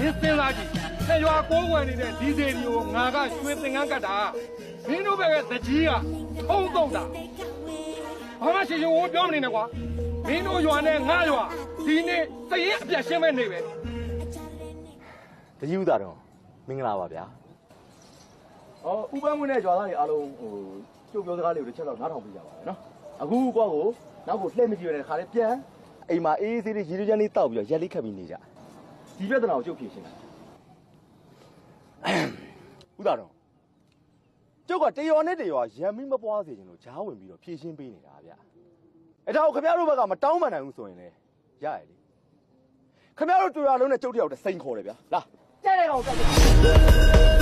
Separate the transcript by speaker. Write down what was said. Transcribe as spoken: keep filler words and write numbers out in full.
Speaker 1: င်းစဉ်းစားကြည့်ဆက်ရွာကိုးကွယ်နေတဲ့ဒီစေဒီကိုငါကရွှေသင်္ကန်းကတ်တာမင်းတို့ဘက်ကတကြီးကထုံးတော့တာဘာမှရှင်းရှင်းဝပြောမနေနဲ့ကွာမင်းတို့ရွာနဲ့ငါရွာဒီနေ့စရင်အပြတ်ရှင်းမဲ့နေပဲ
Speaker 2: တကြီးဥသားတော့မင်္ဂလာပါဗျာဟောဥပန်းဝင်တဲ့ကြွားသားတွေအားလုံးဟိုကျုပ်ပြောစကားလေးကိုတစ်ချက်တော့နားထောင်ပြကြပါမယ်နော်အခုကွာကိုနောက်ကိုလှည့်မကြည့်ရတဲ့ခါလေးပြန်အိမ်မှာအေးအေးဆေးဆေးရေရွှဲချမ်းလေးတောက်ပြီးတော့ရက်လေးခတ်ပြီးနေကြဒီပြဿနာကိုကျုပ်ဖြေရှင်းတာဥသားတော့ကျုပ်ကတရော်နဲ့တရော်ရံမိမပွားစေချင်လို့ဂျားဝင်ပြီးတော့ဖြေရှင်းပေးနေတာဗျအဲဒါကိုခင်ဗျားတို့ဘက်ကမတောင်းပန်နိုင်ဘူးဆိုရင်လေရရလေခင်ဗျားတို့တူရလုံးနဲ့ကျုပ်တယောက်တစိန်ခေါ်တယ်ဗျာလာကြဲတဲ့ကောင်တက်